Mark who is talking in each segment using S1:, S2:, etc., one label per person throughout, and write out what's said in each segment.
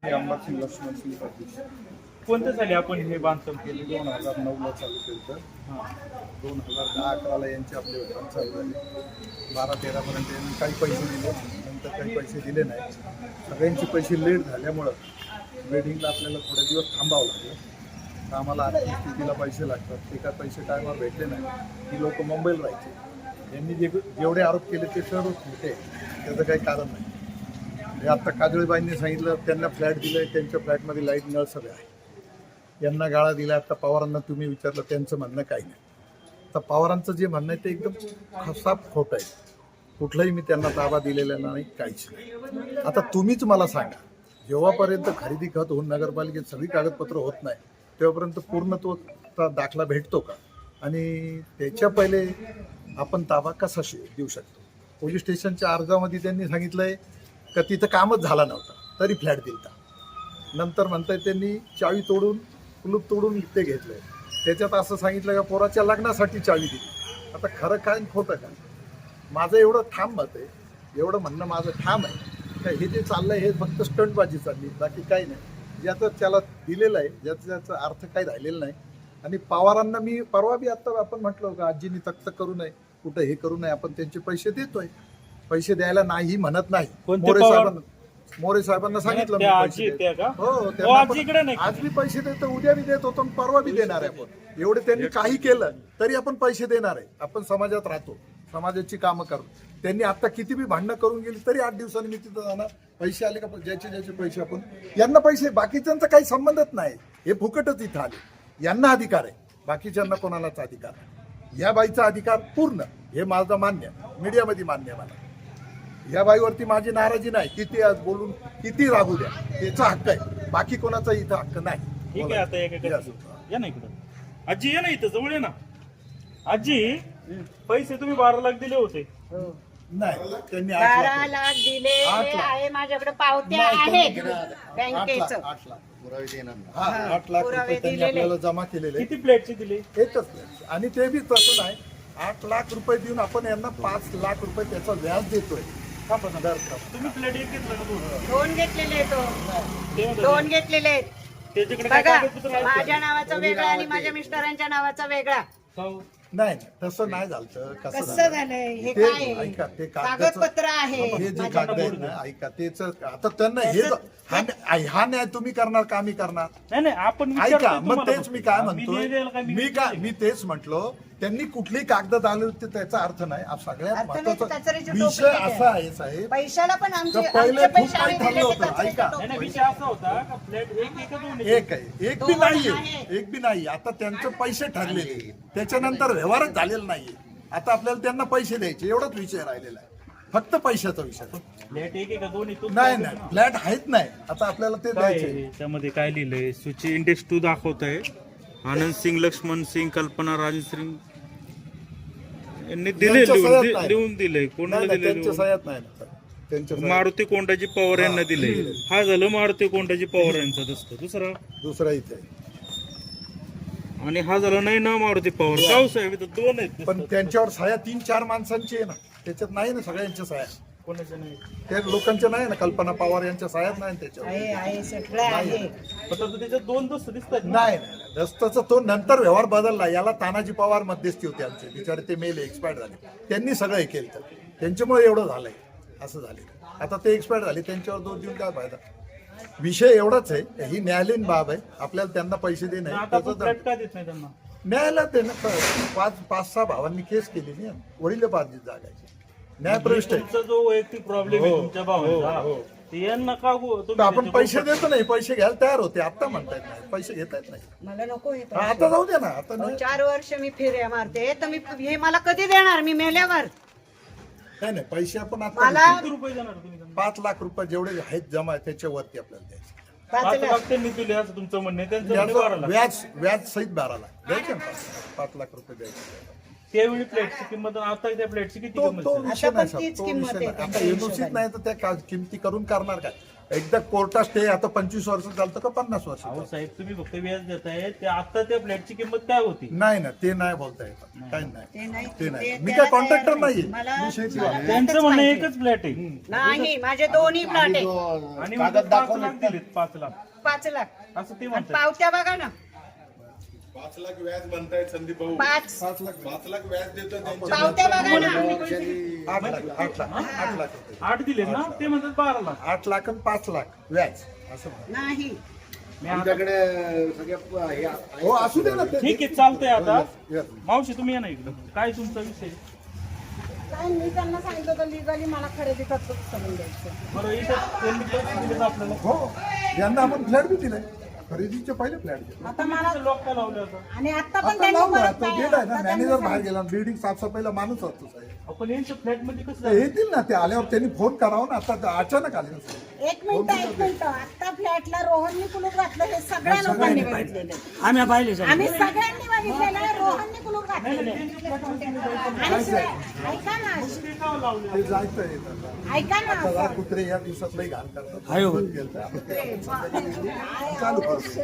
S1: Unboxing Laxman Singh Patil.
S2: कोणत्या साली आपण हे बांधकाम केले?
S1: 2009ला चालू केलं तर 2010-11ला यांची आपले काम चालू झाले. 12-13पर्यंत यांनी काही पैसे दिले, नंतर काही पैसे दिले नाही. सगळ्यांचे पैसे लेट झाल्यामुळं वेडिंगला आपल्याला थोडे दिवस थांबावं लागलं. तर आम्हाला आर्थिक स्थितीला पैसे लागतात, ते काय पैसे टायमावर भेटले नाही. ही लोक मुंबईला राहायचे. यांनी जेवढे आरोप केले ते सर्व खोटे, त्याचं काही कारण नाही. हे आत्ता काजळीबाईंनी सांगितलं त्यांना फ्लॅट दिलं आहे, त्यांच्या फ्लॅटमध्ये लाईट नळ सगळे आहे. यांना गाळा दिला. आता पवारांना तुम्ही विचारलं, त्यांचं म्हणणं काही नाही. तर पवारांचं जे म्हणणं आहे ते एकदम खसाप खोटं आहे. कुठलाही मी त्यांना ताबा दिलेला नाही, काहीच नाही. आता तुम्हीच मला सांगा, जेव्हापर्यंत खरेदी खत होऊन नगरपालिकेत सगळी कागदपत्र होत नाही तेव्हापर्यंत पूर्णत्वाचा दाखला भेटतो का? आणि त्याच्या पहिले आपण ताबा कसा देऊ शकतो? पोलीस स्टेशनच्या अर्जामध्ये त्यांनी सांगितलंय का तिथं कामच झाला नव्हता तरी फ्लॅट दिलता. नंतर म्हणताय त्यांनी चावी तोडून कुलूप तोडून ते घेतलंय. त्याच्यात असं सांगितलं का पोराच्या लग्नासाठी चावी दिली. आता खरं काय खोटं काय? माझं एवढं ठाम मत आहे, एवढं म्हणणं माझं ठाम आहे का हे जे चाललंय हे फक्त स्टंटबाजी चालली, बाकी काही नाही. ज्याचं त्याला दिलेलं आहे, ज्याचा अर्थ काही राहिलेला नाही. आणि पवारांना मी परवा बी आता आपण म्हटलं का आजींनी तक्त करू नये, कुठं हे करू नये, आपण त्यांचे पैसे देतोय. पैसे द्यायला नाही म्हणत नाही. मोरे साहेबांना सांगितलं आज मी पैसे देतो, उद्या बी देत होतो, परवा बी देणार आहे आपण. एवढे त्यांनी काही केलं तरी आपण पैसे देणार आहे. आपण समाजात राहतो, समाजाची कामं करू. त्यांनी आता किती बी भांडणं करून गेली तरी 8 दिवसांनी मी तिथं जाणार. पैसे आले का ज्याचे पैसे आपण यांना पैसे, बाकीच्यांचा काही संबंधच नाही. हे फुकटच इथं आले. यांना अधिकार आहे, बाकीच्यांना कोणालाच अधिकार नाही. या बाईचा अधिकार पूर्ण, हे माझं मान्य, मीडियामध्ये मान्य आहे मला. या बाईवरती माझी नाराजी नाही. किती आज बोलून किती राहू द्या, त्याचा हक्क आहे. बाकी कोणाचा इथं हक्क नाही.
S2: ठीक आहे. आता या ना इकडं. आजी या ना इथं, जवळ ये ना. आजी, पैसे तुम्ही 12 लाख दिले होते.
S1: नाही, त्यांनी
S3: 12 लाख दिले आहे. माझ्याकडे पावत्या आहेत बँकेचं.
S1: 8 लाख रुपये त्यांनी आपल्याला जमा केलेले.
S2: किती प्लेटचे दिले?
S1: एकच प्लेट. आणि ते बी तसं नाही. 8 लाख रुपये देऊन आपण यांना 5 लाख रुपये त्याचं व्याज देतोय.
S2: तुम्ही प्लेट एक घेतलं का?
S3: 2 घेतलेले तो 2 घेतलेले आहेत.
S2: त्याच्याकडे
S3: बघा, माझ्या नावाचा वेगळा आणि माझ्या मिस्टरांच्या नावाचा वेगळा.
S1: नाही, तसं नाही झालं.
S3: कसं झालंय हे? काय
S1: ऐका, ते
S3: कागदपत्र आहे.
S1: हे जे कागद आहे ना, ऐका, तेच आता त्यांना हे हा न्याय तुम्ही करणार का आम्ही करणार?
S2: नाही, आपण
S1: ऐका, मग तेच मी काय म्हणतो, मी तेच म्हटलो, त्यांनी कुठली कागद आले होते त्याचा अर्थ नाही. सगळ्यात महत्वाचा विषय असा आहे साहेब,
S3: पैशाला पण
S1: पहिले खूप काही ठरलं होतं. ऐका,
S2: विषय असा होता का फ्लॅट
S1: एक आहे, एक बी नाहीये, एक बी नाही. आता त्यांचे पैसे ठरलेले, त्याच्यानंतर व्यवहारच झालेला नाहीये. आता आपल्याला त्यांना पैसे द्यायचे, एवढाच विषय राहिलेला आहे. फक्त पैशाचा विषय.
S2: फ्लॅट एक का दोन?
S1: नाही, फ्लॅट आहेत नाही. आता आपल्याला ते द्यायचे.
S2: त्यामध्ये काय लिहिलंय? सूची इंडेक्स 2 दाखवत आहे. आनंद सिंग, लक्ष्मण सिंग, कल्पना राजन सिंग यांनी दिले, लिहून दिलंय. कोणाला दिले? मारुती कोंडाजी पवार यांना दिले. हा झालं मारुती कोंडाजी पवार यांचा दस्त.
S1: दुसरा इथे,
S2: आणि हा झाला नाही ना मारुती पवार. गाव साहेब इथं 2 आहेत.
S1: पण त्यांच्यावर सह्या 3-4 माणसांची आहे ना, त्याच्यात नाही ना सगळ्यांच्या सह्या.
S2: कोणाच्या नाही?
S1: त्या लोकांच्या नाही ना, कल्पना पवार यांच्या सह्यात नाही त्याच्यावर.
S2: त्याच्यात 2 दस्त दिसतात.
S1: नाही, दस्ताचा तो नंतर व्यवहार बदलला. याला तानाजी पवार मध्यस्थी होते आमचे, बिचारे ते मेले, एक्सपायर झाले. त्यांनी सगळं हे केलं, त्यांच्यामुळे एवढं झालंय, असं झालं. आता ते एक्सपायर झाले, त्यांच्यावर दोष देऊन काय फायदा? विषय एवढाच आहे, ही न्यायालयीन बाब आहे. आपल्याला त्यांना पैसे देणे न्यायालयात आहे ना. 5-6 भावांनी केस केली ना, वडिलोपार्जित जागा आहे. न्यायप्रविष्ट आहे.
S2: जो वैयक्तिक प्रॉब्लेम आहे तुमच्या भावांचा,
S1: आपण पैसे देतो नाही, पैसे घ्यायला तयार होते. आता म्हणतायत नाही, पैसे घेत आहेत नाही.
S3: मला नको.
S1: आता जाऊ दे ना. आता
S3: 4 वर्ष मी फेऱ्या मारते, तर मी हे मला कधी देणार? मी मेल्यावर
S1: नाही, पैसे आपण आता
S3: मला
S1: 5 लाख रुपये जेवढे आहेत जमा त्याच्यावरती आपल्याला द्यायचे.
S2: 5 लाख त्यांनी दिले असं तुमचं म्हणणं आहे. त्यांचं
S1: व्याज सहित 12 लाख द्यायचे ना. 5 लाख रुपये द्यायचे.
S2: त्यावेळी प्लेटची किंमत आता त्या प्लेटची किती किंमत?
S1: तो विषय नाही. आता एनओसीच नाही तर त्या किमती करून करणार काय? एकदा कोर्टात स्टे आता 25 वर्ष चालतं का 50 वर्ष
S2: अहो
S1: चालतं?
S2: साहेब तुम्ही फक्त व्याज देताय ते आता त्या फ्लॅटची किंमत काय होती?
S1: नाही ना, ते नाही बोलता येत, काही
S3: ते
S1: नाही,
S3: नाही.
S1: ते नाही.
S3: ते
S1: मी
S3: त्याला
S1: काय कॉन्ट्रॅक्टर
S3: तयार
S1: नाहीये,
S3: मला-
S1: मी शेती
S3: मला-
S1: आहे.
S2: त्यांचं म्हणणं एकच फ्लॅट आहे
S3: नाही, माझे दोन्ही प्लॉट आहे.
S2: आणि मग 5 लाख दिलेत, 5 लाख
S3: 5 लाख.
S2: असं ते
S3: आणि
S2: म्हणतात.
S3: पावत्या बघा ना,
S4: 5 लाख व्याज म्हणताय संदीप भाऊ.
S3: 5
S4: 5 लाख व्याज देतो त्यांच्या
S3: पावत्या बघा ना.
S1: 8 लाख होते.
S2: 8 दिलेत ना, ते म्हणतात 12 लाख.
S1: 8 लाख आणि 5 लाख व्याज असं म्हणा.
S3: नाही,
S2: मी आता-
S4: आमच्याकडे सगळ्या हे
S1: हो असू दे ना ते.
S2: ठीक आहे, चालतंय आता.
S1: Yes.
S2: मावशी तुम्ही या ना इकडं. काय तुमचा विषय?
S3: काय मी त्यांना सांगितलं होतं लिगली मला खरेदी करतो करून द्यायचं.
S2: बरं इथं त्यांनी पैसे दिलेत आपल्याला.
S1: हो, यांना आपण फ्लॅट बी दिलाय, खरेदीचे पहिले फ्लॅट दिले.
S3: आता मला
S2: लॉक का लावले होतं?
S3: आणि आता पण
S1: आता
S3: त्यांनी
S1: लावला
S3: परत
S1: तो
S3: काय-
S1: गेलाय ना,
S3: आता त्यांनी
S1: मॅनेजर बाहेर
S3: सांगितलं.
S1: गेला, बिल्डिंग साफसफाईला माणूस असतो साहेब.
S2: आपण यांच्या फ्लॅट मध्ये कसं
S1: तर येतील ना ते आल्यावर त्यांनी फोन करावा ना, आता अचानक आले ना साहेब.
S3: एक मिनिट आता फ्लॅटला रोहननी कुलूप घातलं हे सगळ्या लोकांनी बघितलेलं आहे.
S5: आम्ही पाहिले
S3: आम्ही सगळ्यांनी बघितलेलं आहे, रोहननी कुलूप घातलेलं आहे. आणि शिवाय ऐका ना,
S2: ते का लावले?
S1: ते जायचं येतात
S3: ऐका ना
S1: आता कुत्रे या दिवसात लई घाण करतात.
S5: आहे हो.
S1: गेलतं. आपण ते
S3: चालू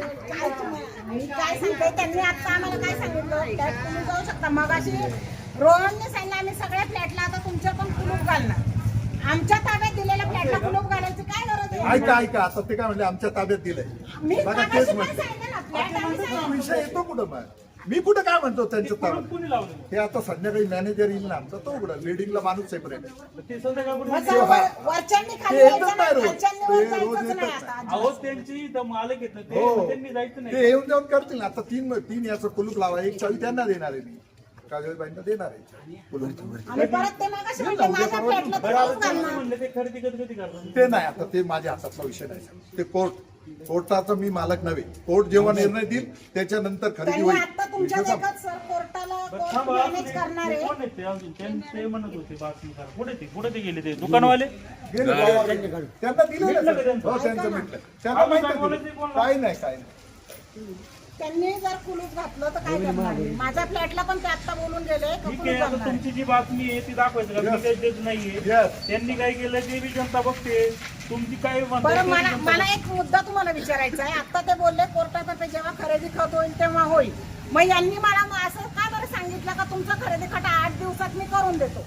S3: मी काय सांगते त्यांनी आता आम्हाला काय सांगितलं त्यात तुम्ही जाऊ शकता. मग अशी रोहनने सांगितलं आम्ही सगळ्या फ्लॅटला आता तुमच्या पण कुलूप घालणार. आमच्या ताब्यात दिलेल्या फ्लॅटला कुलूप घालायची काय गरज आहे?
S1: ऐका आता ते काय म्हणले आमच्या ताब्यात दिलंय.
S3: मी
S1: बघा
S3: मगाशी
S1: तेच
S3: पण
S1: म्हणते.
S3: सांगितलं ना, फ्लॅट आम्ही सांगितलं.
S1: विषय येतो कुठं मग? मी कुठं काय म्हणतो त्यांच्या ताब्यात?
S2: कोणी लावले?
S1: ते आता संध्याकाळी मॅनेजर येईल ना आमचा, तो उघडा लीडिंगला माणूस सेपरेट आहे.
S2: ते संध्याकाळपर्यंत
S3: मग जाऊ वरच्यांनी खाली
S1: ते येतच
S3: जायचं
S1: नाही
S3: नाही,
S1: रोज.
S3: खालच्यांनी
S1: ते
S3: वर
S1: रोज
S3: जायचंच नाही
S1: येतच
S3: आता.
S2: अहो त्यांची इथं मालक येत ना ते
S1: हो.
S2: त्यांनी जायचं
S1: ते
S2: नाही.
S1: येऊन जाऊन करतील ना. आता तीन याचं कुलूप लावा, एक चावी त्यांना देणार आहे मी, काजळबाईंना देणार आहे कुलूप.
S3: आणि परत ते मगाशी म्हणले माझ्या फ्लॅटला कुलूप घालणार.
S2: म्हणले ते खरेदी कधी करतात?
S1: ते नाही, आता ते माझ्या हातातला विषय नाही. ते कोर्टाचा मी मालक नव्हे. कोर्ट जेव्हा निर्णय देईल त्याच्यानंतर खरेदी
S3: त्यांनी
S1: होईल.
S3: आता तुमच्या देखत सर कोर्टाला कोर्ट
S2: थांबा,
S3: मॅनेज करणार आहे.
S2: कोण आहेत ते अजून? ते म्हणत होते बातमीदार. कुठे ते गेले ते दुकानवाले?
S1: गेले बाबा, त्यांना दिलं ना सर. हो, त्यांचं मिटलं. त्यांना माहिती आहे. काही नाही, काही नाही.
S3: त्यांनी जर कुलूप घातलं तर काय करणार आहे? माझ्या फ्लॅटला पण ते आता बोलून गेले का
S2: ठीक
S3: कुलूप
S2: आहे, आता
S3: घालणार आहे.
S2: तुमची जी बातमी आहे ती दाखवायचं का? मी काही देत नाहीये.
S1: Yes.
S2: त्यांनी काय केलं ते बी जनता बघते. तुमची काय
S3: बरं
S2: म्हणताय
S3: मला
S2: ते जनता
S3: मला एक मुद्दा तुम्हाला विचारायचा आहे. आता ते बोलले कोर्टातर्फे जेव्हा खरेदी खत होईल तेव्हा होईल. मग यांनी मला मग असं का बरं सांगितलं का तुमचं खरेदी खत 8 दिवसात मी करून देतो.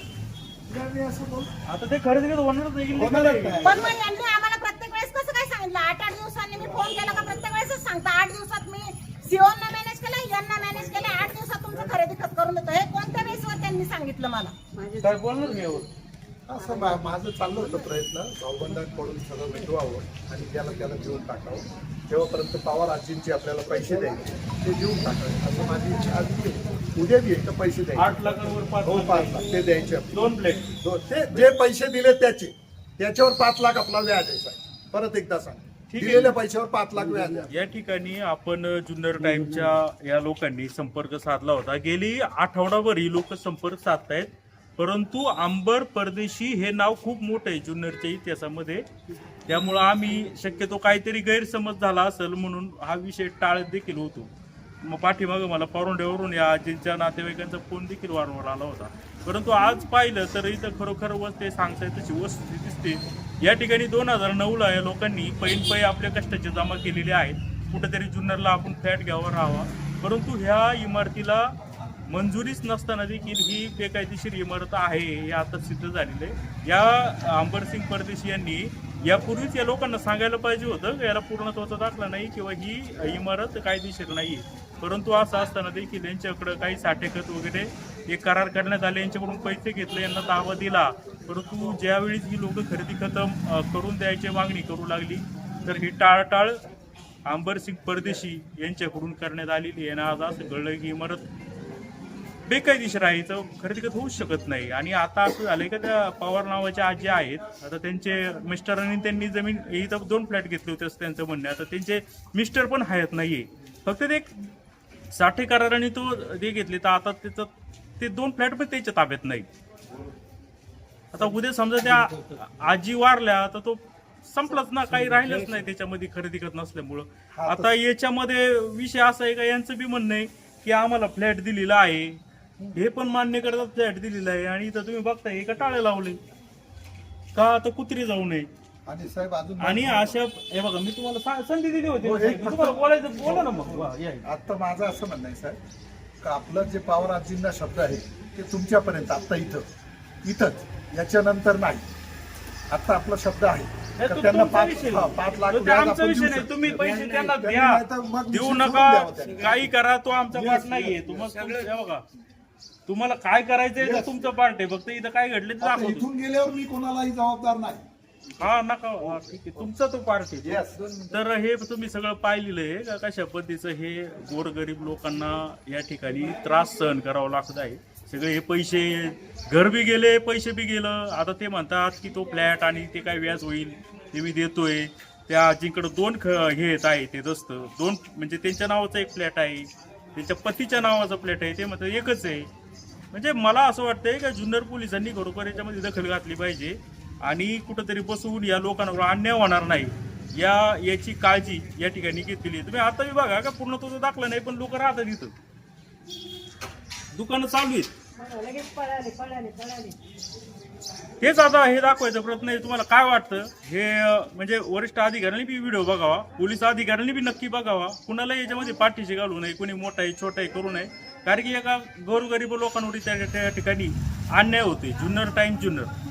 S1: मी असं बोल.
S2: आता ते खरेदी होणारच नाही.
S1: होणारच नाही.
S3: पण मग यांनी आम्हाला प्रत्येक वेळेस कसं काय सांगितलं? 8-8 दिवसांनी मी फोन केला का प्रत्येक वेळेसच सांगता 8 दिवसात मी सीओना मॅनेज केलं, यांना मॅनेज केलं, 8 दिवसात तुमचं खरेदी खत करून देतो. हे कोणत्या बेसवर त्यांनी सांगितलं मला?
S2: काय बोलणार नाही यावर.
S1: असं माझं चाललं होतं प्रयत्न भाऊबंधांकडून सगळं मिटवावं आणि त्याला देऊन टाकावं. तेव्हापर्यंत पवार आजींचे आपल्याला पैसे द्यायचे, ते देऊन टाकावे असं माझी इच्छा आधी आहे. उद्या बी एक तर पैसे
S2: 8
S1: द्यायचे.
S2: लाखांवर 5
S1: हो,
S2: लाख
S1: 5 लाख ते द्यायचे आपले.
S2: 2 प्लेट.
S1: ते जे पैसे दिले त्याच्यावर 5 लाख आपला व्याज आहे साहेब. परत एकदा सांग,
S2: ठीक आहे.
S1: दिलेल्या पैशावर 5 लाख व्याज आहे.
S2: या ठिकाणी आपण जुन्नर टाइमच्या या लोकांनी संपर्क साधला होता. गेली आठवडाभर ही लोक संपर्क साधतायत, परंतु अंबर परदेशी हे नाव खूप मोठं आहे जुन्नरच्या इतिहासामध्ये. त्यामुळं आम्ही शक्यतो काहीतरी गैरसमज झाला असेल म्हणून हा विषय टाळत देखील होतो. मग पाठीमागं मला पारोंड्यावरून या आजींच्या नातेवाईकांचा फोन देखील वारंवार आला होता. परंतु आज पाहिलं तर इथं खरोखर ते सांगताय तशी वस्तू दिसते. या ठिकाणी 2009ला या लोकांनी पै आपल्या कष्टाचे जमा केलेले आहेत. कुठेतरी जुन्नरला आपण फ्लॅट घ्यावा राहावा, परंतु ह्या इमारतीला मंजुरीच नसताना देखील ही बेकायदेशीर इमारत आहे हे आता सिद्ध झालेलं आहे. या अंबरसिंग परदेशी यांनी यापूर्वीच या लोकांना सांगायला पाहिजे होतं की याला पूर्णत्वाचा दाखला नाही किंवा ही इमारत कायदेशीर नाही. परंतु असं असताना देखील यांच्याकडं काही साठेखत वगैरे एक करार करण्यात आले, यांच्याकडून पैसे घेतले, यांना दावा दिला. परंतु ज्यावेळी ही लोक खरेदी खतम करून द्यायची मागणी करू लागली तर ही टाळटाळ अंबरसिंग परदेशी यांच्याकडून करण्यात आलेली आहे. आणि आज असं कळलं की इमारत बेकायदेशीर आहे, तर खरेदी खत होऊच शकत नाही. आणि आता असं झालंय का त्या पवार नावाच्या आजी आहेत, आता त्यांचे मिस्टरांनी त्यांनी जमीन इथं 2 फ्लॅट घेतले होते असं त्यांचं म्हणणं आहे. आता त्यांचे मिस्टर पण हयात नाहीये, फक्त ते साठे कराराने ते घेतले, तर आता त्याचं ते 2 फ्लॅट पण त्याच्या ताब्यात नाही. आता उद्या समजा त्या आजी वारल्या तर तो संपलाच ना, काही राहिलंच नाही त्याच्यामध्ये खरेदी खत नसल्यामुळं. आता याच्यामध्ये विषय असा आहे का यांचं बी म्हणणं आहे की आम्हाला फ्लॅट दिलेला आहे, हे पण मान्य करतात फ्लॅट दिलेला आहे, आणि इथं तुम्ही बघताय का टाळे लावले का आता कुत्री जाऊ नये.
S1: आणि साहेब अजून
S2: आणि अशा हे बघा मी तुम्हाला संधी दिली होती
S1: हो,
S2: ना,
S1: एक
S2: तुम्हाला बोलायचं बोला ना मग वा, या.
S1: आता माझं असं म्हणणं आहे साहेब का आपलं जे पवार आजींना शब्द आहे ते तुमच्यापर्यंत आत्ता इथंच याच्यानंतर नाही. आता आपला शब्द आहे
S2: नाही,
S1: तर
S2: तो
S1: त्यांना
S2: तुमचा विषय.
S1: 5 लाख
S2: तो
S1: व्याज
S2: आमचा
S1: आपण
S2: विषय
S1: देऊ
S2: नाही.
S1: शकतो.
S2: तुम्ही पैसे त्यांना
S1: त्यांनी
S2: द्या,
S1: नाही तर मग
S2: देऊ
S1: विषय
S2: नका,
S1: सोडून द्यावा त्यांनी.
S2: काही करा, तो आमचा पार्ट नाहीये. तुम्हाला बघा तुम्हाला काय करायचंय ते तुमचं पार्ट आहे. फक्त इथं काय घडले ते
S1: आता
S2: दाखवतो.
S1: इथून गेल्यावर मी कोणालाही जबाबदार नाही.
S2: हा नका, हा, ठीक आहे, तुमचा तो पार्ट आहे.
S1: Yes.
S2: तर हे तुम्ही सगळं पाहिलेलं आहे का कशा पद्धतीचं हे गोरगरीब लोकांना या ठिकाणी त्रास सहन करावा लागत आहे. सगळे हे पैसे घर बी गेले, पैसे बी गेलं. आता ते म्हणतात की तो फ्लॅट आणि ते काय व्याज होईल ते मी देतोय. त्या आजींकडे 2 हे येत आहे ते दस्त 2 म्हणजे त्यांच्या नावाचा एक फ्लॅट आहे, त्यांच्या पतीच्या नावाचा फ्लॅट आहे, ते म्हणतात एकच आहे. म्हणजे मला असं वाटतंय की जुन्नर पोलिसांनी खरोखर याच्यामध्ये दखल घातली पाहिजे आणि कुठंतरी बसवून या लोकांवर अन्याय होणार नाही याची काळजी या ठिकाणी घेतलेली आहे. तुम्ही आता बी बघा का पूर्ण तो दाखला नाही पण लोक राहतात इथं, दुकानं चालू आहेत.
S3: लगेच पळाले.
S2: हेच आता हे दाखवायचा प्रयत्न आहे. तुम्हाला काय वाटतं हे म्हणजे वरिष्ठ अधिकाऱ्यांनी बी व्हिडिओ बघावा, पोलीस अधिकाऱ्यांनी बी नक्की बघावा, कुणाला याच्यामध्ये पाठीशी घालू नये, कोणी मोठा आहे छोटा आहे करू नये. कारण की एका गोरगरीब लोकांवर त्या ठिकाणी अन्याय होते. जुन्नर टाइम जुन्नर.